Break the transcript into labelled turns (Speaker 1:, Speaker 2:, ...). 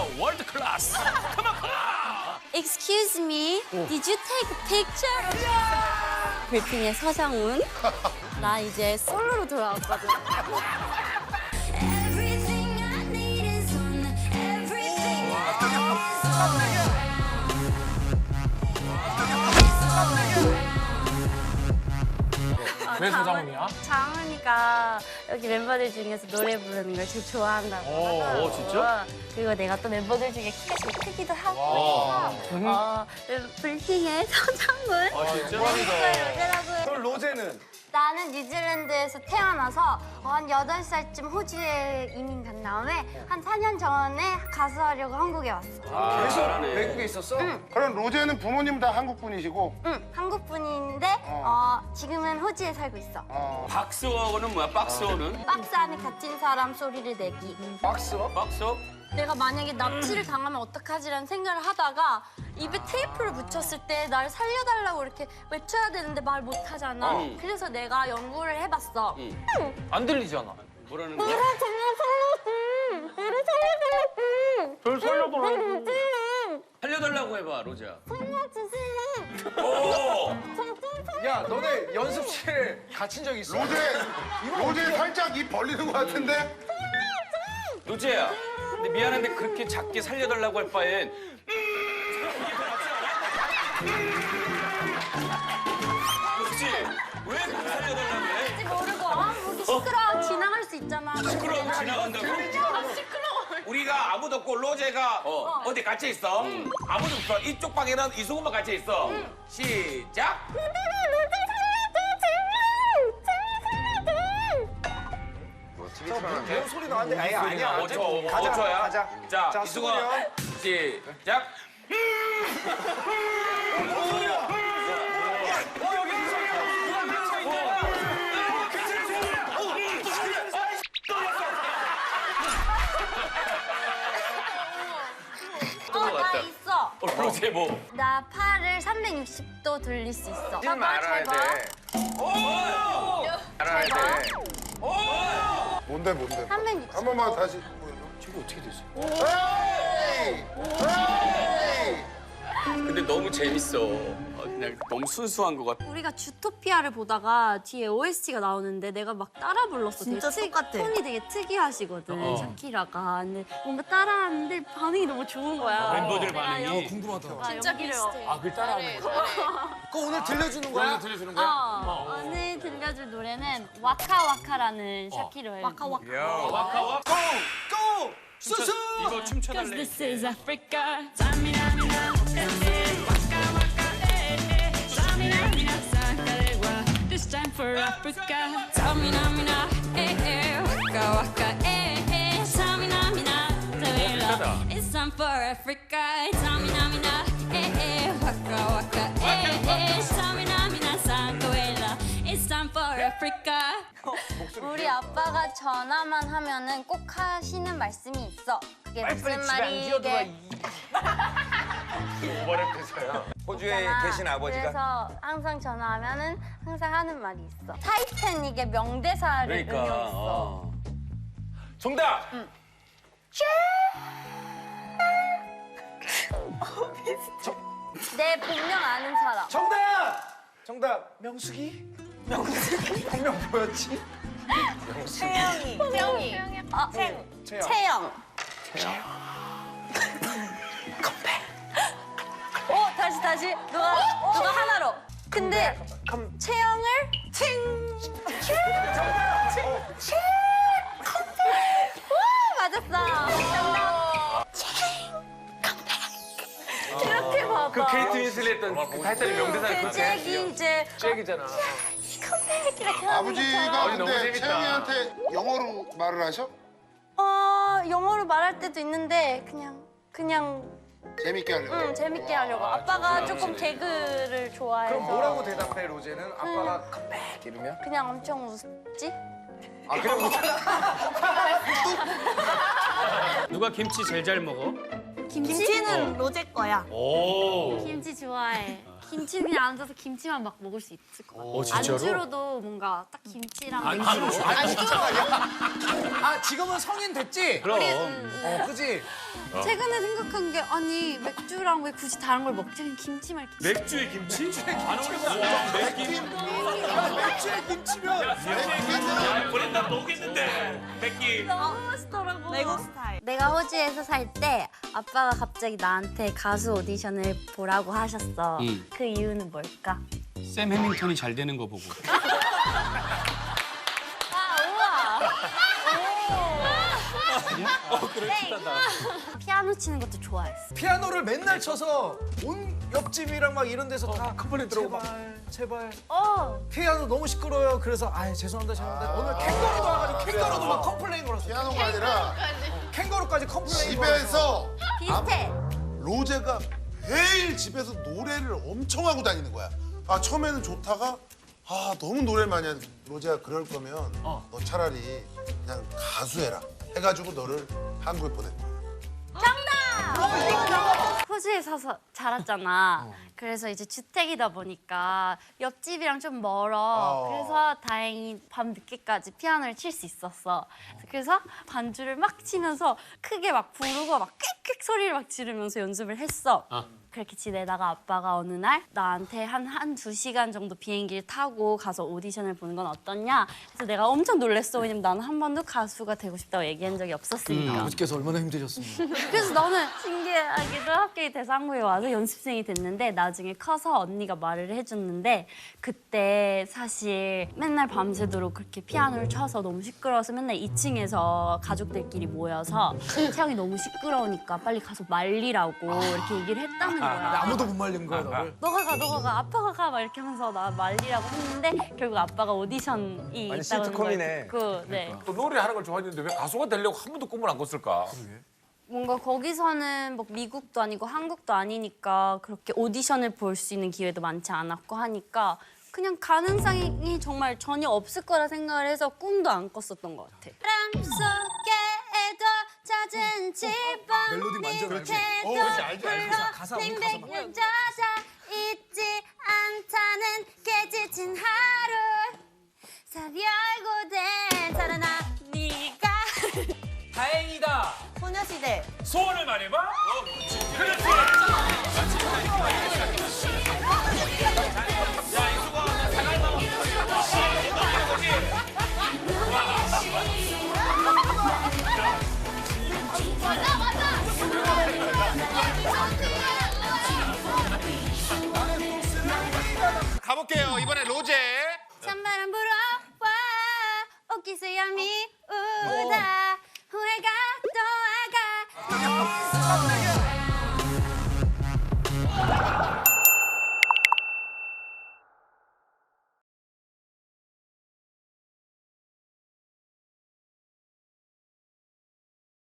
Speaker 1: 월드 클래스.
Speaker 2: Excuse me, did you take a picture? 빌핑의 서장훈. 나 이제 솔로로 돌아왔거든.
Speaker 3: Everything I need is on everything I need is on.
Speaker 1: 왜 서장훈이야?
Speaker 2: 장훈이가 여기 멤버들 중에서 노래 부르는 걸 제일 좋아한다고 하더라고.
Speaker 1: 진짜?
Speaker 2: 그리고 내가 또 멤버들 중에 키가 제일 크기도 하고 해서 빌핑의 서장훈.
Speaker 1: 아 진짜?
Speaker 2: 로제라고.
Speaker 4: 그럼 로제는?
Speaker 2: 나는 뉴질랜드에서 태어나서 한 8살쯤 호주에 이민 간 다음에 한 4년 전에 가수하려고 한국에 왔어.
Speaker 4: 계속 외국에 있었어?
Speaker 5: 그럼 로제는 부모님 다 한국 분이시고
Speaker 2: 응, 한국 분인데 지금은 호주에 살고 있어.
Speaker 1: 박스워는 뭐야? 박스워는?
Speaker 2: 박스 안에 갇힌 사람 소리를 내기.
Speaker 4: 박스워?
Speaker 1: 박스워?
Speaker 2: 내가 만약에 납치를 당하면 어떡하지라는 생각을 하다가 입에 테이프를 붙였을 때 나를 살려달라고 이렇게 외쳐야 되는데 말 못하잖아. 그래서 내가 연구를 해봤어.
Speaker 1: 안 들리잖아. 뭐라는 거야?
Speaker 2: 나를 살려달라고.
Speaker 1: 별 살려달라고. 살려달라고 해봐, 로제야.
Speaker 2: 살려주세요.
Speaker 1: 오!
Speaker 4: 야, 너네 연습실에 갇힌 적 있어?
Speaker 5: 로제 살짝 입 벌리는 것 같은데?
Speaker 1: 로제야. 근데 미안한데 그렇게 작게 살려달라고 할 바엔 그렇지? 왜 그렇게 살려달라고 해?
Speaker 2: 뭔지 모르고 거기 시끄러워 지나갈 수 있잖아.
Speaker 1: 시끄러우면 지나간다고?
Speaker 2: 시끄러워.
Speaker 6: 우리가 아무도 없고 로제가 어디 갇혀 있어? 아무도 없어. 이쪽 방에는 이승훈만 갇혀 있어. 시작.
Speaker 4: 배우 소리 나는데? 아니야.
Speaker 6: 5초,
Speaker 4: 가자,
Speaker 6: 5초야.
Speaker 4: 가자.
Speaker 6: 자,
Speaker 4: 수근이
Speaker 6: 이승훈
Speaker 4: 형.
Speaker 6: 시작.
Speaker 2: 나 있어.
Speaker 1: 로제 뭐?
Speaker 2: 나 팔을 360도 돌릴 수 있어.
Speaker 4: 일 말아야 돼. 알아야 돼.
Speaker 5: 뭔데?
Speaker 2: 360도.
Speaker 5: 한 번만 다시.
Speaker 1: 근데 너무 재밌어. 그냥 너무 순수한 것 같아.
Speaker 2: 우리가 주토피아를 보다가 뒤에 OST가 나오는데 내가 막 따라 불렀어.
Speaker 7: 진짜 똑같아.
Speaker 2: 톤이 되게 특이하시거든, 샤키라가. 근데 뭔가 따라하는데 반응이 너무 좋은 거야.
Speaker 1: 멤버들 반응이.
Speaker 2: 진짜 비슷해.
Speaker 1: 아, 그걸 따라하는 거야?
Speaker 4: 그거 오늘 들려주는 거야?
Speaker 1: 들려주는
Speaker 2: 오늘 들려줄 노래는 와카와카라는 샤키라의
Speaker 1: 와카와
Speaker 4: 고! 수수!
Speaker 1: 이거 춤춰달래.
Speaker 8: This is Africa. Samina, mina, waka waka, Samina, mina, sakalegua. This time for Africa. Samina, mina, waka waka, Samina, mina, tawela. It's time for Africa. Samina, mina, waka waka, Samina, mina, sakalegua. It's time for Africa.
Speaker 2: 우리 아빠가 전화만 하면은 꼭 하시는 말씀이 있어. 그게 무슨 말이게?
Speaker 4: 호주에 계신 아버지가?
Speaker 2: 그래서 항상 전화하면은 항상 하는 말이 있어. 타이타닉의 명대사를 응용했어.
Speaker 6: 정답.
Speaker 2: 내 본명 아는 사람.
Speaker 4: 정답! 명숙이? 본명 뭐였지?
Speaker 2: 태영이. 채영. 다시. 누가 하나로. 근데 채영을 맞았어. 이렇게 봐봐.
Speaker 6: 그 케이트 윈슬리 했던 그 타이타닉 명대사를
Speaker 2: 그
Speaker 6: 그렇게
Speaker 2: 잭이 이제
Speaker 1: 잭이잖아.
Speaker 2: 컴백 이렇게 하는
Speaker 5: 아버지가
Speaker 6: 너무
Speaker 5: 근데
Speaker 6: 재밌다.
Speaker 5: 채영이한테 영어로 말을 하셔?
Speaker 2: 영어로 말할 때도 있는데 그냥
Speaker 5: 재밌게 하려고.
Speaker 2: 재밌게 하려고. 아빠가 조금 개그를 좋아해서
Speaker 4: 그럼 뭐라고 대답해, 로제는? 아빠가 컴백 이러면?
Speaker 2: 그냥 엄청 웃지?
Speaker 4: 아, 그래 못하나?
Speaker 1: 누가 김치 제일 잘 먹어?
Speaker 2: 김치?
Speaker 7: 김치는 로제 거야.
Speaker 1: 오.
Speaker 2: 김치 좋아해. 김치 그냥 앉아서 김치만 막 먹을 수 있을 것 같아.
Speaker 7: 진짜로?
Speaker 2: 안주로도 뭔가 딱 김치랑
Speaker 4: 아 지금은 성인 됐지?
Speaker 7: 그럼.
Speaker 4: 그지?
Speaker 2: 최근에 생각한 게 아니 맥주랑 왜 굳이 다른 걸 먹지? 그냥 김치만 이렇게.
Speaker 1: 맥주에 김치? 안 어울린다.
Speaker 4: 맥주에 김치면
Speaker 6: 브랜드 모르겠는데 백기.
Speaker 2: 너무 맛있더라고.
Speaker 9: 외국 스타일.
Speaker 2: 내가 호주에서 살 때 아빠가 갑자기 나한테 가수 오디션을 보라고 하셨어. 그 이유는 뭘까?
Speaker 7: 샘 해밍턴이 잘 되는 거 보고.
Speaker 2: 피아노 치는 것도 좋아했어.
Speaker 4: 피아노를 맨날 쳐서 온 옆집이랑 막 이런 데서 다
Speaker 7: 컴플레인 들어오고 막.
Speaker 4: 제발
Speaker 2: 어.
Speaker 4: 피아노 너무 시끄러워요. 그래서 아 죄송합니다. 오늘 캥거루도 와가지고 캥거루도 막 컴플레인 걸었어.
Speaker 5: 피아노가 아니라
Speaker 4: 캥거루까지 컴플레인
Speaker 5: 집에서
Speaker 2: 비슷해.
Speaker 5: 로제가 매일 집에서 노래를 엄청 하고 다니는 거야. 아 처음에는 좋다가 아 너무 노래를 많이 하는 로제가 그럴 거면 너 차라리 그냥 가수 해라 해가지고 너를 한국에 보낸 거야.
Speaker 2: 호주에 사서 자랐잖아. 그래서 이제 주택이다 보니까 옆집이랑 좀 멀어. 그래서 다행히 밤 늦게까지 피아노를 칠 수 있었어. 그래서 반주를 막 치면서 크게 막 부르고 막 꽥꽥 소리를 막 지르면서 연습을 했어. 그렇게 지내다가 아빠가 어느 날 나한테 한두 시간 정도 비행기를 타고 가서 오디션을 보는 건 어떠냐? 그래서 내가 엄청 놀랬어. 왜냐면 나는 한 번도 가수가 되고 싶다고 얘기한 적이 없었으니까.
Speaker 4: 아버지께서 얼마나 힘드셨습니까?
Speaker 2: 그래서 나는 신기하게도 합격이 돼서 한국에 와서 연습생이 됐는데 나중에 커서 언니가 말을 해줬는데 그때 사실 맨날 밤새도록 그렇게 피아노를 쳐서 너무 시끄러워서 맨날 2층에서 가족들끼리 모여서 채영이 너무 시끄러우니까 빨리 가서 말리라고 이렇게 얘기를 했다는 거야.
Speaker 4: 아무도 못 말린 거야 너를.
Speaker 2: 너가 가, 아빠가 가 막 이렇게 하면서 나 말리라고 했는데 결국 아빠가 오디션이 있다는 걸 듣고 네.
Speaker 6: 또 노래하는 걸 좋아했는데 왜 가수가 되려고 한 번도 꿈을 안 꿨을까?
Speaker 2: 뭔가 거기서는 뭐 미국도 아니고 한국도 아니니까 그렇게 오디션을 볼 수 있는 기회도 많지 않았고 하니까 그냥 가능성이 정말 전혀 없을 거라 생각을 해서 꿈도 안 꿨었던 것 같아. 바람 속에도 젖은 지붕
Speaker 4: 멜로디 완전 알지?
Speaker 5: 그렇지 알지 알지.
Speaker 4: 가사 우리 가사 막.
Speaker 2: 팽팽 젖어 있지 않다는 깨지친 하루 살열고 된 살아나 네가
Speaker 1: 다행이다.
Speaker 9: 소녀시대.
Speaker 1: 소원을 말해봐. 그렇지. 야 이수가 사갈 나와.
Speaker 5: 가볼게요. 이번에 로제.
Speaker 2: 찬바람 불어와 옷깃에 얌이 우다 후회가 또 와가